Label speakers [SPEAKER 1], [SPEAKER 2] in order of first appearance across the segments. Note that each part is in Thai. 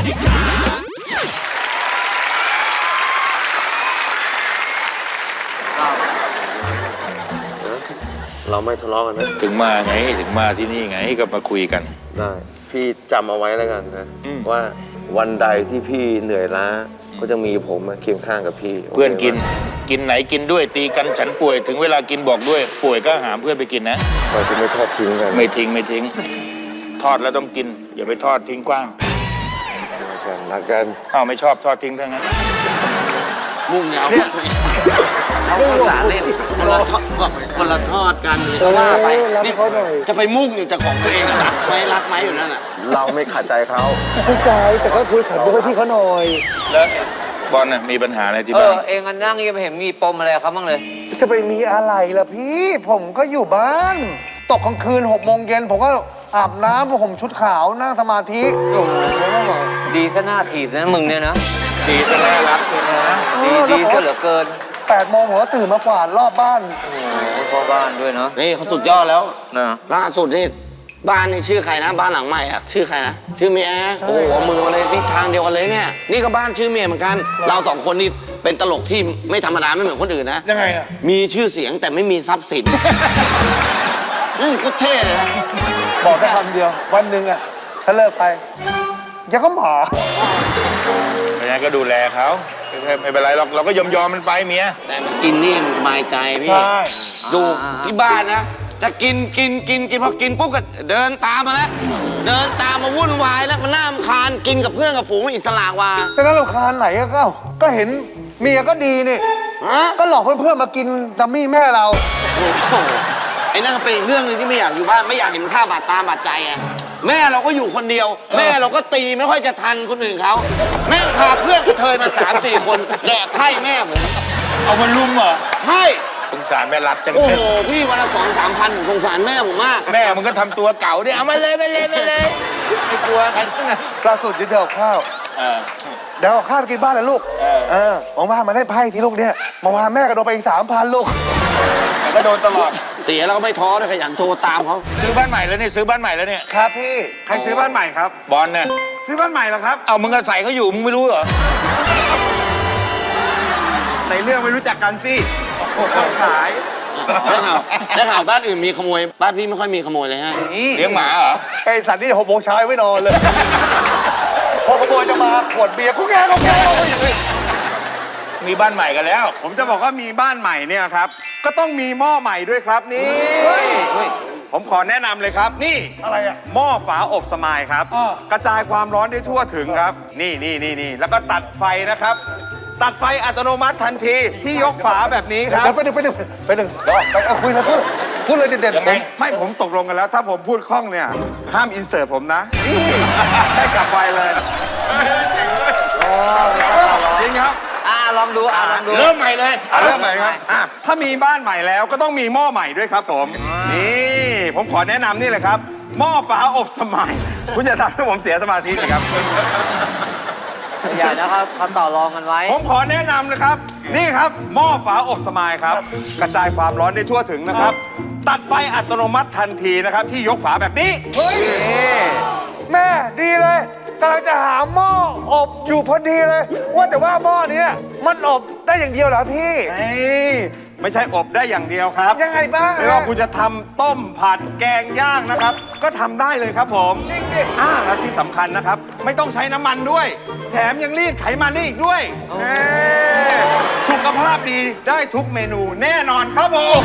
[SPEAKER 1] เราไม่ทะเลาะกันนะ
[SPEAKER 2] ถึงมาไงถึงมาที่นี่ไงก็มาคุยกัน
[SPEAKER 1] ได้พี่จำเอาไว้แล้วกันนะว่าวันใดที่พี่เหนื่อยล้าก็จะมีผมเคียงข้างกับพี่
[SPEAKER 2] เพื่อนกินไหนกินด้วยตีกันฉันป่วยถึงเวลากินบอกด้วยป่วยก็หาเพื่อนไปกินนะ
[SPEAKER 1] เราจะไม่ทอดทิ้งกัน
[SPEAKER 2] ไม่ทิ้งทอดแล้วต้องกินอย่าไปทอดทิ้งกว้าง
[SPEAKER 1] รักกัน
[SPEAKER 2] ไม่ชอบทอดทิ้งทั้งนั้น
[SPEAKER 3] มุ่งเงาตัวเองเขาก็สาเล่นคนละทอดกันเลยว่าไปนี่จะไปมุ่งอยู่แต่ของตัวเองนะไม่รักไหมอยู่นั่นน่ะ
[SPEAKER 1] เราไม่ขัดใจเขา
[SPEAKER 4] เข้าใจแต่ก็คุยขันบุกให้พี่เขาหน่อย
[SPEAKER 2] แล้วบอลน่ะมีปัญหาอะไรที่บ้าน
[SPEAKER 5] เองนั่งยังไม่เห็นมีปมอะไรเขาบ้างเลย
[SPEAKER 4] จะไปมีอะไรล่ะพี่ผมก็อยู่บ้านตกกลางคืน6 โมงเย็นผมก็อาบน้ำผมชุดขาวนั่งสมาธิ
[SPEAKER 5] ดีก็น่าถีบนะมึงเนี่ยนะ
[SPEAKER 2] ดีซะน่ารักเลยนะ
[SPEAKER 5] ดีซะเหลือเกิน
[SPEAKER 4] 8 โมงผมก็ตื่นมากวาดรอบบ้าน
[SPEAKER 5] พ่อบ้านด้วยเนาะ
[SPEAKER 3] นี่เขาสุดยอดแล้วนะล่าสุดนี่บ้านนี่ชื่อใครนะบ้านหลังใหม่อะชื่อใครนะชื่อเมียโอ้โหมือมาเลยทิศทางเดียวกันเลยเนี่ยนี่ก็บ้านชื่อเมียเหมือนกันเรา2 คนนี่เป็นตลกที่ไม่ธรรมดาไม่เหมือนคนอื่นนะ
[SPEAKER 4] ยังไงอะ
[SPEAKER 3] มีชื่อเสียงแต่ไม่มีทรัพย์สินก็เท่เลยนะ
[SPEAKER 4] บอกได้คำเดียววันหนึ่งอะถ้าเลิกไปยังก็หมา
[SPEAKER 2] ไม่งั้นก็ดูแลเขาไม่เป็นไรหรอกเราก็ยอมมันไปเมีย
[SPEAKER 3] แต่กินนี่มันสบายใจพี่ดูที่บ้านนะจะกินพอกินปุ๊บก็เดินตามมาแล้วเดินตามมาวุ่นวายแล้วมันน่ารำคาญกินกับเพื่อนกับฝูงอิสระว่า
[SPEAKER 4] แต่นั้นรำคาญไหนก็เห็นเมียก็ดีนี่ก็หลอกเพื่อนๆมากินดัมมี่แม่เรา
[SPEAKER 3] ไอ้นั่นก็เป็นเรื่องนึงที่ไม่อยากอยู่บ้านไม่อยากเห็นภาพบาดตาบาดใจไงแม่เราก็อยู่คนเดียวแม่เราก็ตีไม่ค่อยจะทันคนอื่นเขาแม่พาเพื่อนกระเทยมา3-4 คนแดกไพ่แม่ผม
[SPEAKER 2] เอามาลุมเหรอ
[SPEAKER 3] ใช่
[SPEAKER 2] สงสารแม่รับจัง
[SPEAKER 3] โอ้โหพี่วันละ2-3 พันสงสารแม่ผมมาก
[SPEAKER 2] แม่มึงก็ทำตัวเก่าดิเอามาเลยไม่กลัวใครทั้งนั้น
[SPEAKER 4] ล่าสุดเดี๋ยวข้าวเดี๋ยวข้าวกินบ้านเลยลูกมองมาเล่นไพ่ที่ลูกเนี่ยมองมาแม่ก็โดนไปอีก3,000ลูก
[SPEAKER 2] ก็โดนตลอด
[SPEAKER 3] เสียแล้วก็ไม่ท้อเลยขยันโทรตามเขา
[SPEAKER 2] ซื้อบ้านใหม่แล้วเนี่ยซื้อบ้านใหม่แล้วเนี่ย
[SPEAKER 4] ครับพี่ใครซื้อบ้านใหม่ครับ
[SPEAKER 2] บอลเนี่ย
[SPEAKER 4] ซื้อบ้านใหม่แล้วครับ
[SPEAKER 2] เอามึงอาศัยเขาอยู่มึงไม่รู้เหรอ
[SPEAKER 4] ในเรื่องไม่รู้จักกันสิขาย
[SPEAKER 3] ได้ข่าวบ้านอื่นมีขโมยบ้านพี่ไม่ค่อยมีขโมยเลยฮะ
[SPEAKER 2] เลี้ยงหมาเหรอ
[SPEAKER 4] ไอ้สันนี่6 โมงเช้าไม่นอนเลยพอขโมยจะมาขวดเบียร์กูแก
[SPEAKER 2] มีบ้านใหม่กันแล้ว
[SPEAKER 4] ผมจะบอกว่ามีบ้านใหม่เนี่ยครับก็ต้องมีหม้อใหม่ด้วยครับนี่ผมขอแนะนำเลยครับนี่อะไรอะหม้อฝาอบสมายครับกระจายความร้อนได้ทั่วถึงครับนี่แล้วก็ตัดไฟนะครับตัดไฟอัตโนมัติทันทีที่ยกฝาแบบนี้ครับไปหนึ่งไปคุยนะพูดเลยเด็ดๆไม่ผมตกลงกันแล้วถ้าผมพูดคล่องเนี่ยห้ามอินเสิร์ตผมนะใช่กลับไฟเลยจริงครับ
[SPEAKER 5] ลองดู
[SPEAKER 2] เริ่มใหม่เลย
[SPEAKER 4] เริ่มใหม่ครับถ้ามีบ้านใหม่แล้วก็ต้องมีหม้อใหม่ด้วยครับผมนี่ผมขอแนะนำนี่เลยครับหม้อฝาอบสมัยคุณจะทำให้ผมเสียสมาธิเลยครับ
[SPEAKER 5] อย่านะครับทำต่อรองกันไว้
[SPEAKER 4] ผมขอแนะนำนะครับนี่ครับหม้อฝาอบสมัยครับกระจายความร้อนได้ทั่วถึงนะครับตัดไฟอัตโนมัติทันทีนะครับที่ยกฝาแบบนี้แม่ดีเลยกำลังจะหาหม้ออบอยู่พอดีเลยว่าแต่ว่าหม้อนี้มันอบได้อย่างเดียวเหรอพี่ไม่ใช่อบได้อย่างเดียวครับยังไงบ้างไม่ว่าคุณจะทำต้มผัดแกงย่างนะครับก็ทำได้เลยครับผมจริงดิและที่สำคัญนะครับไม่ต้องใช้น้ำมันด้วยแถมยังรีดไขมันได้อีกด้วยสุขภาพดีได้ทุกเมนูแน่นอนครับผม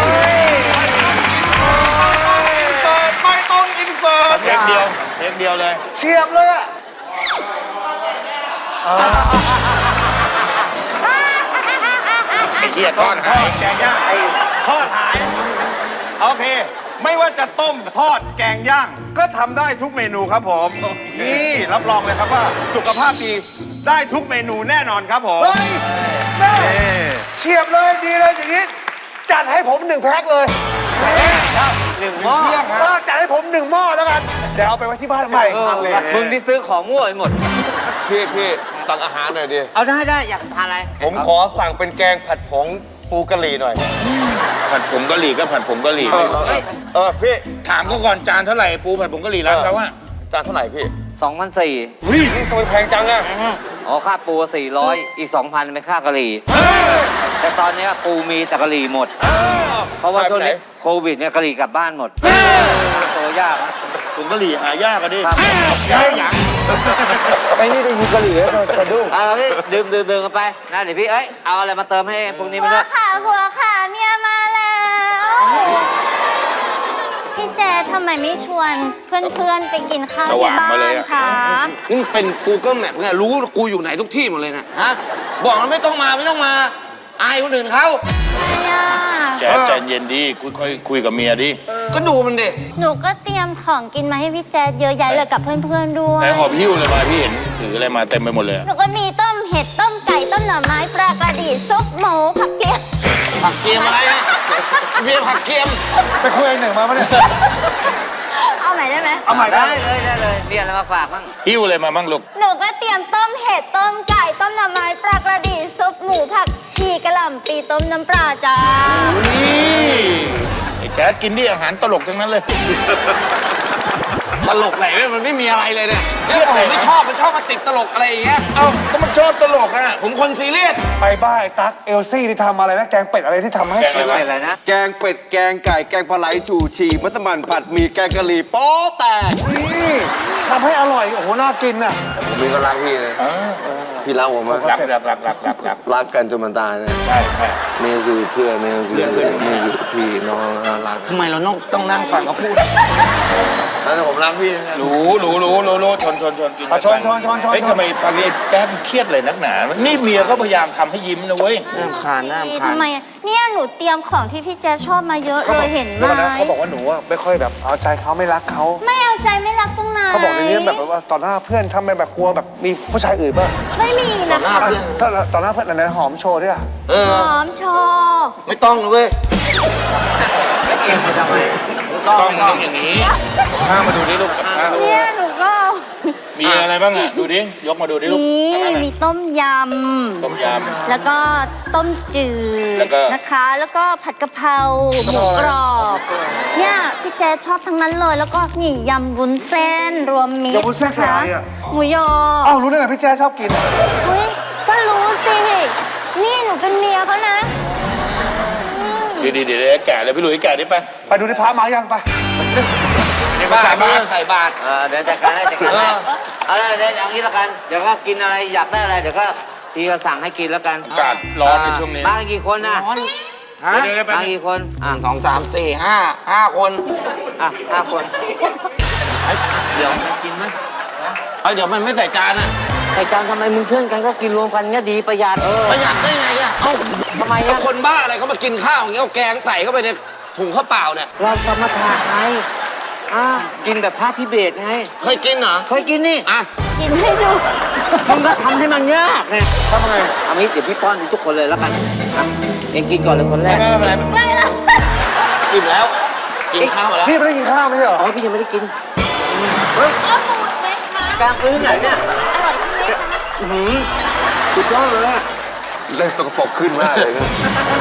[SPEAKER 4] ไม่ต้องอินเสิร์ต
[SPEAKER 2] เทคเดียวเลย
[SPEAKER 4] เฉียบเลยอะ
[SPEAKER 2] ไอ้เหี้ยทอดหาย
[SPEAKER 4] แกงย่างทอดหายโอเคไม่ว่าจะต้มทอดแกงย่างก็ทำได้ทุกเมนูครับผมนี่รับรองเลยครับว่าสุขภาพดีได้ทุกเมนูแน่นอนครับผมเฉียบเลยดีเลยอย่างนี้จัดให้ผม1 แพ็คเลย
[SPEAKER 5] 1 หม้อ
[SPEAKER 4] จัดให้ผม1 หม้อแล้วกันเดี๋ยวเอาไปไว้ที่บ้านใหม่
[SPEAKER 5] มึงที่ซื้อของมั่วไปหมด
[SPEAKER 1] พี่สั่งอาหารหน่อยดิ
[SPEAKER 5] เอาได้อยากทานอะไร
[SPEAKER 1] ผมขอสั่งเป็นแกงผัดผงปูกะหรี่หน่อย
[SPEAKER 2] ผัดผงกะหรี่ก็ผัดผงกะหรี่พี่ถามเขาก่อนจานเท่าไหร่ปูผัดผงกะหรี่ร้านเขาว่า
[SPEAKER 1] จานเท่าไหร่พี่
[SPEAKER 5] 2,400
[SPEAKER 1] เฮ้ยทำไมแพงจังอะ
[SPEAKER 5] อ๋อค่าปู400อีก 2,000เป็นค่ากะหรี่แต่ตอนเนี้ยปูมีแต่กะหรี่หมด เพราะว่าช่วงนี้โควิดเนี่ยกะหรี่กลับบ้านหมดหาตัวยากนะ
[SPEAKER 2] ถุงกะหรี่หายากอะดิ
[SPEAKER 5] ครับ
[SPEAKER 2] ยากอย่าง
[SPEAKER 1] ไอ้นี่ได้ยินกะหรี่แล้วกระดุ้ง
[SPEAKER 5] เอาพี่ดื่มกันไปนะเดี๋ยวพี่เอาอะไรมาเติมให้พวกนี้ไป
[SPEAKER 6] หั
[SPEAKER 5] ด้
[SPEAKER 6] ว
[SPEAKER 5] วย
[SPEAKER 6] ขาเมียมาแล้ว พี่แจ๊ดทำไมไม่ชวนเพื่อนๆไปกินข้าวที่บ้านคะ
[SPEAKER 3] นี่มันเป็น Google Map ไงรู้กูอยู่ไหนทุกที่หมดเลยนะฮะบอกมันไม่ต้องมาอายคนอื่นเขา
[SPEAKER 6] เนี่ย
[SPEAKER 2] แจ๊ดใจเย็นดีค่อยๆคุยกับเมียดิ
[SPEAKER 3] ก็ดูมันดิ
[SPEAKER 6] หนูก็เตรียมของกินมาให้พี่แจ๊ดเยอะแยะเลยกับเพื่อนๆด้ว
[SPEAKER 2] ไหน
[SPEAKER 6] ย
[SPEAKER 2] หอบหิ้วเลยมาพี่เห็นถืออะไรมาเต็มไปหมดเลย
[SPEAKER 6] หนูก็มีต้มเห็ดต้มไก่ต้มหน่อไม้ปลากระดีซุปหมูผักเกี๊ยว
[SPEAKER 3] ผักเกียมอะไรอะเบียร์ผักเกียม
[SPEAKER 4] ไปคุยหนึ่งมาปะเนี่ย
[SPEAKER 6] เอาใหม่ได้ไหม
[SPEAKER 4] เอาใหม่ได้
[SPEAKER 5] ได้เลยมีอะไรมาฝากบ้าง
[SPEAKER 2] หิ้วอะไรมาบ้างลูก
[SPEAKER 6] หนูก็เตรียมต้มเห็ดต้มไก่ต้มหน่อไม้ปลากระดีซุปหมูผักชีกระหล่ำปีต้มน้ำปลาจ้า
[SPEAKER 2] นี่ไอ้แจ๊ดกินดิอาหารตลกทั้งนั้นเลย
[SPEAKER 3] ตลกไหนเนี่ยมันไม่มีอะไรเลยเนี่ยผมไม่ชอบมันชอบมาติดตลกอะไรอย่างเงี้ย
[SPEAKER 2] เอ้าก็มันชอบตลกนะ
[SPEAKER 3] ผมคนซีเรียส
[SPEAKER 4] ไปบ้านไอ้ตั๊กเอลซี่ที่ทำอะไรนะ แกงเป็ดอะไรที่ทำให้
[SPEAKER 2] แกงอะไรวะ
[SPEAKER 5] อะไรนะ
[SPEAKER 1] แกงเป็ดแกงไก่แกงปลาไหลจู่ชีมัสมั่นผัดหมี่แกงกะหรี่โป๊ะแตก
[SPEAKER 4] นี่ทำให้อร่อย โอ้โห น่ากินอ่ะ
[SPEAKER 1] ผมมีก็รักพี่เลยพี่รักผมมาก
[SPEAKER 2] รัก
[SPEAKER 1] รักกันจนมันตายนะ
[SPEAKER 2] ใช่ใช่
[SPEAKER 1] นี่คือเพื่อนนี่คือนี่คือพี่น้องรัก
[SPEAKER 3] ทำไมเราต้องนั่งฟังเขาพูด
[SPEAKER 1] แล้วผมรักพี่นะ
[SPEAKER 2] รู้ชนกิน
[SPEAKER 4] อ่ะชน
[SPEAKER 2] เฮ้ยทำไมตอนนี้แจ๊ดเครียดเลยนักหนา นี่เมียก็พยายามทำให้ยิ้มนะเว้ย
[SPEAKER 3] น้ำคาน
[SPEAKER 6] ทำไมอะเนี่ยหนูเตรียมของที่พี่แจ๊ดชอบมาเยอะเลยเห็นไหม
[SPEAKER 4] แล้วนะเขาบอกว่าหนูอ่ะไม่ค่อยแบบเอาใจเขาไม่รักเขา
[SPEAKER 6] ไม่เอาใจไม่รักตรงไหน
[SPEAKER 4] เขาบอกในนี้แบบว่าต่อหน้าเพื่อนทำเป็นแบบกลัวแบบมีผู้ชายอื่นบ้าง
[SPEAKER 6] ไม่มีนะคะ
[SPEAKER 4] ถ้าต่อหน้าเพื่อนอะไรนะหอมโชว์ด้วยอ่ะ
[SPEAKER 6] หอมชอ
[SPEAKER 3] ไม่ต้องเลยเว้ย
[SPEAKER 5] เองมาทำไม
[SPEAKER 2] ต้องอย่างนี้ข้ามาดูดิลูกข้า
[SPEAKER 6] เนี่ยหนูก็
[SPEAKER 2] มีอะไรบ้างอ่ะ ดูดิ ยกมาดูดิลูก
[SPEAKER 6] มีต้มย
[SPEAKER 2] ต้มย
[SPEAKER 6] ำแล้วก็ต้มจืด
[SPEAKER 2] แล้วก็
[SPEAKER 6] นะคะ แล้วก็ผัดกะเพราหมูกรอบเนี่ยพี่แจ๊ดชอบทั้งนั้นเลย แล้วก็นี่ยำวุ้นเส้นรวมมิตร
[SPEAKER 4] ยำวุ้นเส้นใส่อะไรอ่ะ
[SPEAKER 6] หมูยอ
[SPEAKER 4] อ้าวรู้ได้ไงพี่แจ๊ชอบกินอ่ะ
[SPEAKER 6] อุ้ยก็รู้สินี่หนูเป็นเมียเขานะ
[SPEAKER 2] ำดีเดี๋ยวแก่เลยพี่หลุยแก่ดิไป
[SPEAKER 4] ไปดูที่พระมายังไป
[SPEAKER 3] ใส่บาตรใส่บาตร
[SPEAKER 5] เดี๋ยวจัดการให้เอาเลยเดี๋ยวอย่างนี้แล้วกัน เดี๋ยวก็กินอะไรอยากได้อะไรเดี๋ยวก็พี่ก็สั่งให้กินแล้วกัน
[SPEAKER 2] อากาศร้อนในช่วงนี้
[SPEAKER 5] มากันกี่คนนะ
[SPEAKER 3] ฮะ
[SPEAKER 2] เดี๋ยวไป
[SPEAKER 5] มากี่คน
[SPEAKER 3] 2 3 4 5 คน
[SPEAKER 5] 5 คน
[SPEAKER 3] เดี๋ยว
[SPEAKER 5] กินไหม
[SPEAKER 3] เดี๋ยวมันไม่ใส่จานอ่ะ
[SPEAKER 5] ใส่จานทำไมมึงเพื่อนกันก็กินรวมกันเงี้ยดีประหยัด
[SPEAKER 3] ประหยัดได้ไงอ่ะเอ้า
[SPEAKER 5] ทำไม
[SPEAKER 3] แล้ว
[SPEAKER 5] อะ
[SPEAKER 3] คนบ้าอะไรเขามากินข้าวอย่างเงี้ยเอาแกงใส่เข้าไปในถุงข้าวเปล่าเนี่ย
[SPEAKER 5] เราสมถะไงกินแบบพระทิเบตไง
[SPEAKER 3] เคยกินเหรอ
[SPEAKER 5] เคยกินนี่
[SPEAKER 3] อ่ะ
[SPEAKER 6] กินให้ดู
[SPEAKER 5] มึงก็ทำให้มันยากไง
[SPEAKER 4] ทำไง
[SPEAKER 5] เอางี้เดี๋ยวพี่ป้อนทุกคนเลยแล้วกันเองกินก่อนเลยคนแรก
[SPEAKER 3] ไม่เป็นไร
[SPEAKER 6] ไม่ละ
[SPEAKER 3] อิ่มแล้ว กินข้าวมาแล้ว
[SPEAKER 4] พี่ไม่ได้กินข้าวไม่ใช่เหรอ
[SPEAKER 5] อ๋อพี่ยังไม่ได้กิน
[SPEAKER 6] เอาปูไหมคะ
[SPEAKER 5] กลางพื้นไหนเนี่ย
[SPEAKER 6] อร่อยใช่ไหมคะ
[SPEAKER 5] สุดยอดเลยอะ
[SPEAKER 1] เล่นสกปรกขึ้นมากเลยครับ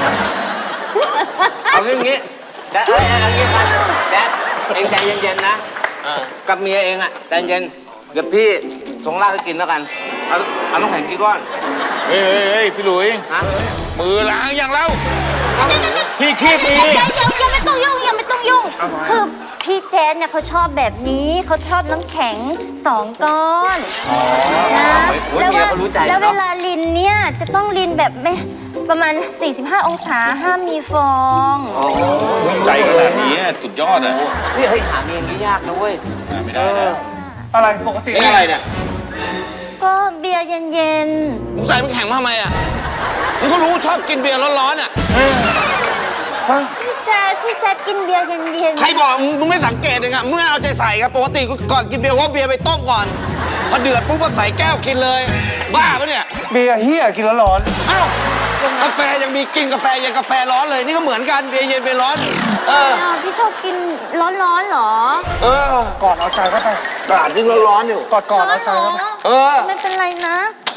[SPEAKER 5] เอาอย่างงี้แจ๊ดเอาอย่างงี้ครับแจ๊ดเองใจเย็นๆนะกับเมียเองอะใจเย็นเดี๋ยวพี่ส่งเหล้าให้กินแล้วกันเอาน้ำแข็งกี่ก้อน
[SPEAKER 2] เฮ้ยพี่หลุย
[SPEAKER 5] ฮะ
[SPEAKER 2] มือล้างอย่างเราพี่คีบมี
[SPEAKER 6] ยังไม่ต้องยุ่งยังไม่ต้องยุ่ง คือพี่แจ๊ดเนี่ยเขาชอบแบบนี้เขาชอบน้ำแข็ง2 ก้อนนะแล้วเวลาลินเนี่ยจะต้องลินแบบไม่ประมาณ 45 องศาห้ามมีฟอง
[SPEAKER 2] ใจขนาดนี้สุดยอดนะ
[SPEAKER 5] พี่เฮ้ยหาเมียนี่ยากนะเว้ย
[SPEAKER 2] ไม่ได้นะ
[SPEAKER 4] อะไรปกติ
[SPEAKER 3] นี่อะไรเนี่ย
[SPEAKER 6] ก็เบียร์เย็น
[SPEAKER 3] มึงใส่น้ำแข็งมาทำไมอ่ะมึงก็รู้ชอบกินเบียร์ร้อนๆอ่ะ
[SPEAKER 6] ๆพี่แจ๊ดกินเบียร์เย็น
[SPEAKER 3] ใครบอกมึงไม่สังเกตเลยอ่ะมึงไม่เอาใจใส่ครับปกติก่อนกินเบียร์ว่าเบียร์ไปต้มก่อนพอเดือดปุ๊บก็ใส่แก้วกินเลย บ้าปะเนี่ย
[SPEAKER 4] เบียร์เฮียกินแล้วร้อน
[SPEAKER 3] เอ้ากาแฟยังมีกินกาแฟยังกาแฟร้อนเลยนี่ก็เหมือนกันเบียร์เย็นเบียร์ร้อน
[SPEAKER 6] พี่ชอบกินร้อนๆเหรอ
[SPEAKER 4] ก่อนเอาใจเข้าไป
[SPEAKER 3] กาดยิ่งร้อนๆอยู่
[SPEAKER 4] ก่อน
[SPEAKER 6] ร้อ
[SPEAKER 4] เอา
[SPEAKER 6] น
[SPEAKER 4] ใจ
[SPEAKER 6] เหรอ
[SPEAKER 4] เข้าไป
[SPEAKER 6] ไม่เป็นไรนะ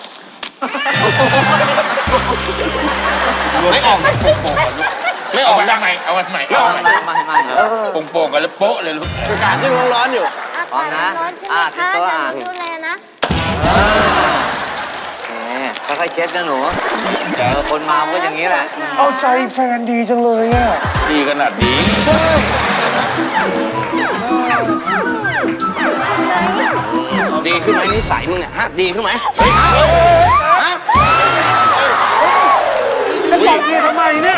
[SPEAKER 3] ไม่ออก
[SPEAKER 2] ไม่ออกวันใหม่เอาวันใหม่เอาวันใหม่
[SPEAKER 5] ไม่
[SPEAKER 2] โป่งๆกันแล้วโป๊ะเลยลูก
[SPEAKER 3] กาดยิ่งร้อนๆอยู่
[SPEAKER 6] อ่อากาศมันร้อนใช่ไหม
[SPEAKER 5] เช็ด
[SPEAKER 6] คะ
[SPEAKER 5] ตัว
[SPEAKER 6] เดี๋ยวหนูดูแลนะ
[SPEAKER 5] แหมค่อยๆเช็ดนะหนูคนเมาก็อย่างนี้แหละ
[SPEAKER 4] เอาใจแฟนดีจังเลยอ่ะ
[SPEAKER 2] ดีขนาดนี้
[SPEAKER 3] ดีขึ้นไหมนิสัยมึงเนี่ยฮะดีขึ้นไหมฮะ
[SPEAKER 4] จะตบเมียทำไมเนี่ย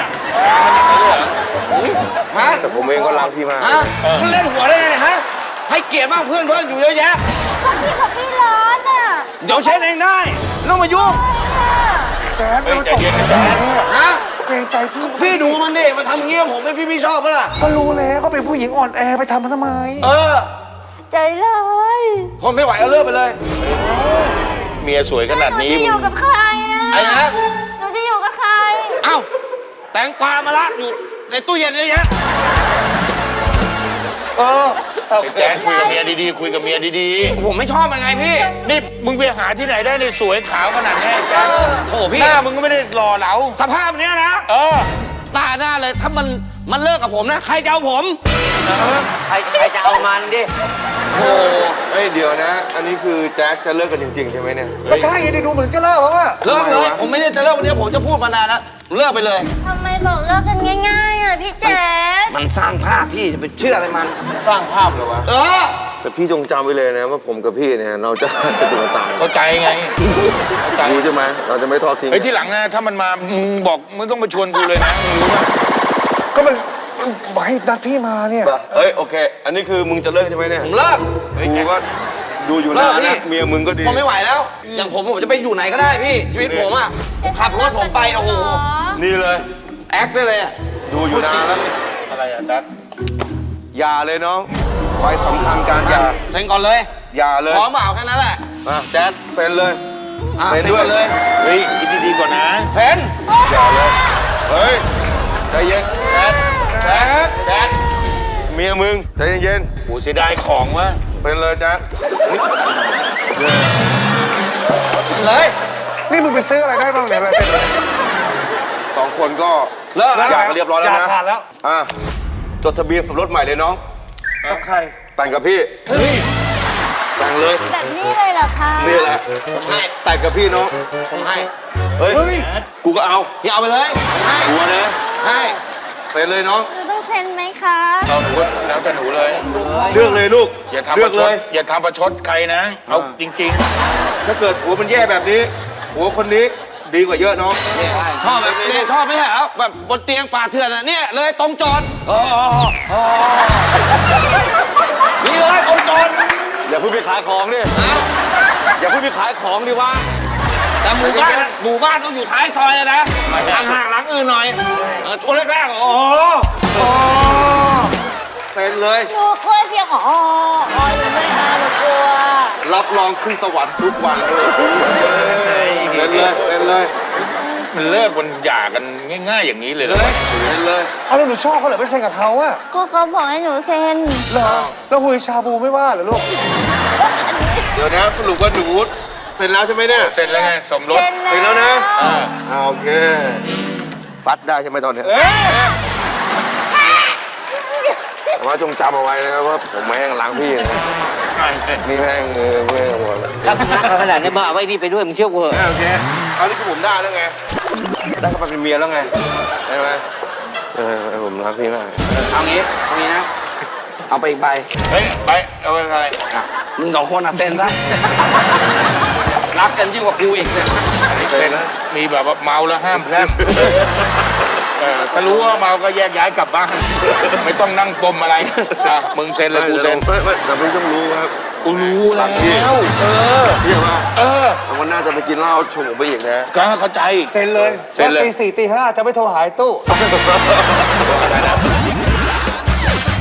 [SPEAKER 3] ฮะ
[SPEAKER 1] แต่ผมเองก็รักพี่มาก
[SPEAKER 3] ฮะมึงเล่นหัวได้ไงเนี่ยฮะให้เกียรติบ้างเพื่อนอยู่เยอะแยะ
[SPEAKER 6] ก็พี่กับพี่ร้อนอ่ะ
[SPEAKER 3] เดี๋ยวเช็ดเองได้ไม่ต้องมายุ่ง
[SPEAKER 4] แจ๊ด
[SPEAKER 2] เฮ้ย
[SPEAKER 4] มัน
[SPEAKER 2] ใจ
[SPEAKER 4] ตบ
[SPEAKER 2] เย็นนะแจ๊ด
[SPEAKER 3] ฮะ
[SPEAKER 4] เกรงใจพี่
[SPEAKER 3] พี่ดูมันดิมันทำอย่างเงี้ยผมไม่พี่ชอบปะล่ะ
[SPEAKER 4] ก็รู้แล้วก็เป็นผู้หญิงอ่อนแอไปทำมันทำไม
[SPEAKER 3] เออ
[SPEAKER 6] ใจร้าย
[SPEAKER 3] ทนไม่ไหวก็เลิกไปเลย
[SPEAKER 2] เมียสวยขนาด
[SPEAKER 6] หนู
[SPEAKER 2] นี้
[SPEAKER 6] จะอยู่กับใครอ่ะ
[SPEAKER 3] ไอ้นะ
[SPEAKER 6] หนูจะอยู่กับใคร
[SPEAKER 3] เอ้าแตงกวามาละอยู่ในตู้เย็นเลยฮะ
[SPEAKER 4] เออ
[SPEAKER 2] ไอ้แจ๊ดคุยกับเมียดีๆคุยกับเมียดี
[SPEAKER 3] ผมไม่ชอบมันไงพี่
[SPEAKER 2] ๆนี่มึงไปหาที่ไหนได้ในสวยขาวขนาดนี้ไอ้แจ๊ด
[SPEAKER 3] โถพี่
[SPEAKER 2] หน้ามึงก็ไม่ได้หล่อเหลา
[SPEAKER 3] สภาพเนี้ยนะ
[SPEAKER 2] เออ
[SPEAKER 3] ตาหน้าเลยถ้ามันเลิกกับผมนะใครจะเอาผม
[SPEAKER 5] ใครจะเอามันดิ
[SPEAKER 3] โอ้
[SPEAKER 1] เฮ้ยเดี๋ยวนะ อันนี้คือแจ็คจะเลิกกันจริงๆใช่ไหมเนี่ย
[SPEAKER 4] ก็ใช่ไงได้ดูเหมือนจะเลิกแล้วอ่ะ
[SPEAKER 3] เลิกเลยผมไม่ได้จะเลิกวันนี้ผมจะพูดมานานแล้วเลิกไปเลย
[SPEAKER 6] ทำไมบอกเลิกกันง่ายๆอ่ะพี่แจ๊ด
[SPEAKER 3] มันสร้างภาพพี่จะไปเชื่ออะไรมัน
[SPEAKER 1] สร้างภาพเลยวะ
[SPEAKER 3] เออ
[SPEAKER 1] แต่พี่จงจำไว้เลยนะว่าผมกับพี่เนี่ยเราจะไปถึงตาย
[SPEAKER 2] เข้าใจไงเข้าใจ
[SPEAKER 1] รู้ใช่ไหมเราจะไม่ทอดทิ้ง
[SPEAKER 2] ไอ้ยที่หลังนะถ้ามันมามึงบอกมึงต้องมาชวนกูเลยนะมึงรู้ป่ะ
[SPEAKER 4] ก็มันบอกให้นัดพี่มาเนี่ย
[SPEAKER 1] เฮ้ยโอเค อันนี้คือมึงจะเลิกใช่ไหมเนี่ย
[SPEAKER 3] ผมเลิก
[SPEAKER 1] กูก็ดูอยู่
[SPEAKER 3] เลิ
[SPEAKER 1] นาก น
[SPEAKER 3] พี่
[SPEAKER 1] นะเมียมึงก็ดี
[SPEAKER 3] ผมไม่ไหวแล้ว อย่างผมจะไปอยู่ไหนก็ได้พี่ ชีวิตผมอ่ะผมขับรถผมไปโอ้โห
[SPEAKER 1] นี่เลย
[SPEAKER 3] แอคได้เลยอะ
[SPEAKER 1] ดูอยู่นานแล้ว
[SPEAKER 2] อะไรอ่ะแจ๊ด
[SPEAKER 1] อย่าเลยน้องไว้สำคัญการอย่า
[SPEAKER 3] เซ็นก่อนเลย
[SPEAKER 1] อย่าเลย
[SPEAKER 3] พร้อมเปล่าแค่นั้นแหละ
[SPEAKER 1] มาแจ๊ดเซ็นเลย
[SPEAKER 3] อ่ะ
[SPEAKER 1] เซ็นด้วย
[SPEAKER 3] ก่อนเลย
[SPEAKER 2] เฮ้ยคิดดีๆก่อนนะ
[SPEAKER 3] เซ็น
[SPEAKER 1] อย่าเลยเฮ้ยใจเย็นแจ๊ดแจ๊ดแจ๊ดเมียมึงใจเย็น
[SPEAKER 2] โหเสียดายของวะ
[SPEAKER 1] ๆเซ็นเลยแจ๊ด
[SPEAKER 3] เลย
[SPEAKER 4] นี่มึงไปซื้ออะไรได้บ้างเนี่ยอะไรเป็น
[SPEAKER 1] สองคนก็
[SPEAKER 3] เลิกแล้ว
[SPEAKER 1] อยากกันเรียบร้อยแล้ว
[SPEAKER 4] อยาก
[SPEAKER 1] นะ
[SPEAKER 4] ขาดแล้ว
[SPEAKER 1] อ่ะจดทะเบียนสมรสใหม่เลยน้อง
[SPEAKER 4] กับใคร
[SPEAKER 1] แต่งกับพี่แต่งเลย
[SPEAKER 6] แบบนี้เลยเหรอคะ
[SPEAKER 1] นี่แหละ
[SPEAKER 3] ผมให้
[SPEAKER 1] แต่งกับพี่น้อง
[SPEAKER 3] ผมให้
[SPEAKER 1] เฮ้ยกูก็เอา
[SPEAKER 3] พี่เอาไปเลยให้
[SPEAKER 1] กลัวนะ
[SPEAKER 3] ให้
[SPEAKER 1] เซ็นเลยน้อง
[SPEAKER 6] หนูต้องเซ็นไหมคะ
[SPEAKER 2] เราหนูแล้วแต่หนูเลย
[SPEAKER 1] เลือกเลยลูก
[SPEAKER 2] อย่าทำป
[SPEAKER 1] เลือ
[SPEAKER 2] ระ
[SPEAKER 1] ก
[SPEAKER 2] ช
[SPEAKER 1] เล
[SPEAKER 2] ด
[SPEAKER 1] ย
[SPEAKER 2] อย่าทำประชดใครนะ เอาจริง
[SPEAKER 1] ถ้าเกิดผัวมันแย่แบบนี้ผัวคนนี้ดีกว่าเยอะน้อง
[SPEAKER 3] ชอบแบบนี้ชอบไหมฮะแบบบนเตียงป่าเถื่อนอ่ะเนี่ยเลยตรงโจรนี่เลยตรงโจร
[SPEAKER 1] อย่าเพิ่งไปขายของดิอย่าเพิ่งไปขายของดิวะ
[SPEAKER 3] แต่หมู่บ้านต้องอยู่ท้ายซอยเลยนะห่างๆหลังอื่นหน่อยช่วงแรกๆโอ้โห
[SPEAKER 1] เซ็นเลย
[SPEAKER 6] หนูกลัวเพียงอ๋อหนูไม่มาหนูกลัว
[SPEAKER 1] รับรองขึ้นสวรรค์ทุกวันเลย
[SPEAKER 2] ๆ
[SPEAKER 1] เซ็นเลยเซ็นเลย
[SPEAKER 2] มันเลิกมันหย่ากันง่าย ๆ อย่างนี้เลยเหรอ
[SPEAKER 1] เซ็นเลย
[SPEAKER 4] เอาแล้วหนูชอบเขาเหรอไม่เซ็นกับเขาอะ
[SPEAKER 6] ก็เขาบอกให้หนูเซ็น
[SPEAKER 4] เหรอแล้วหุยชาบูไม่ว่าเหรอลูก
[SPEAKER 1] เดี๋ยวนะสรุปว่าหนูเซ็นแล้วใช่ไหมเนี่ย
[SPEAKER 2] เสร็จแล้วไงสมรส
[SPEAKER 6] เซ็น
[SPEAKER 1] เซ็นแล้วนะ
[SPEAKER 2] อ่า
[SPEAKER 1] โอเคฟัดได้ใช่ไหมตอนเนี้ยแต่ว่าจงจำเอาไว้นะครับว่าผมแม่งล้างพี่นะ
[SPEAKER 2] ใช่
[SPEAKER 1] นี่แม่งเมื่อหมดแล้ว
[SPEAKER 5] ถ้ามึงรักเขาขนาดนี้มาเอาไว้นี่ไปด้วยมึงเชื่อกูเหอะ
[SPEAKER 1] โอเคตอนนี้คือผมได้แล้วไงได้เข้าไปเป็นเมียแล้วไงใช่ไหมผมรักพี่มาก
[SPEAKER 3] เอางี้นะ เอาไปอีกใบ
[SPEAKER 2] เฮ้ยไปเอาไปอะไร
[SPEAKER 3] อ่ะมึงสองคนอ่ะเซ็นซะรักกันยิ่งกว่ากูอีกเนี่ย
[SPEAKER 2] เซ็นมีแบบว่าเมาแล้วห้ามแพร่มถ้ารู้ว่าเมาก็แยกย้ายกลับบ้านไม่ต้องนั่งปมอะไรอ่ะมึงเซ็นเลยกูเซ็น
[SPEAKER 1] ไม่แต่พี่ต้องรู้ครับ
[SPEAKER 2] กูรู้แล้วเออ
[SPEAKER 1] พี่ว่า
[SPEAKER 2] เออ
[SPEAKER 1] วันหน้าจะไปกินเหล้าชงผมไปอีกนะ
[SPEAKER 2] ก็เข้าใจ
[SPEAKER 4] เซ็นเลย
[SPEAKER 2] เซ็นเลย
[SPEAKER 4] ว่าตี 4 ตี 5จะไม่โทรหายตู้
[SPEAKER 2] อะไรนะ